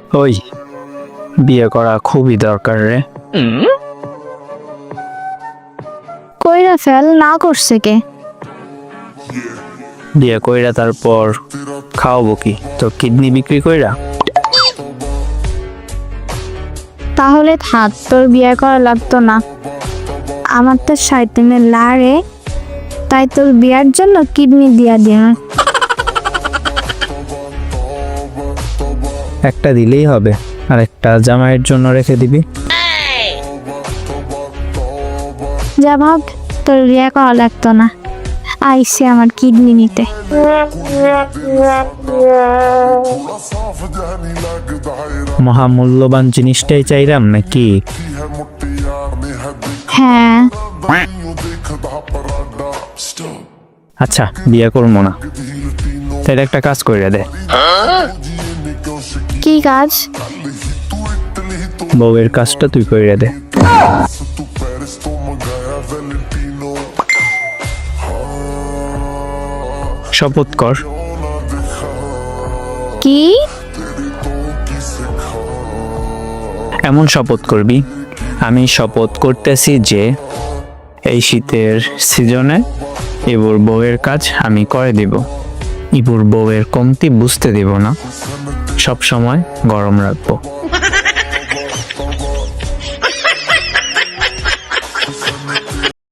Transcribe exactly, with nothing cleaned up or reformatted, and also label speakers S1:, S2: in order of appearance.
S1: ওই বিয়ে করা খুবই দরকার রে।
S2: কইরা ফেল, না করছে কে?
S1: বিয়ে কইরা তারপর খাওয়াবো কি? তোর কিডনি বিক্রি কইরা?
S2: তাহলে থাক, তোর বিয়ে করা লাগতো না। আমার তো শয়তানের লারে, তাই তোর বিয়ার জন্য কিডনি দিয়া দিয়া।
S1: একটা দিলেই হবে, আর একটা জামাইয়ের জন্য রেখে দিবি।
S2: যা ভাব, তোর বিয়ে করা লাগতো না। আইসে আমার কিডনি নিতে।
S1: মহামূল্যবান জিনিসটাই চাইলাম নাকি?
S2: হ্যাঁ,
S1: আচ্ছা, বিয়ে করবো না। তাহলে একটা কাজ কইরা দে।
S2: কি কাজ?
S1: বউয়ের কাজটা তুই কইরা দে। শপথ কর।
S2: কি?
S1: এমন শপথ করবি, আমি শপথ করতেছি যে এই শীতের সিজনে ইবুর বউয়ের কাজ আমি করে দিব। ইবুর বউয়ের কমতি বুঝতে দিব না, সব সময় গরম রাখবো।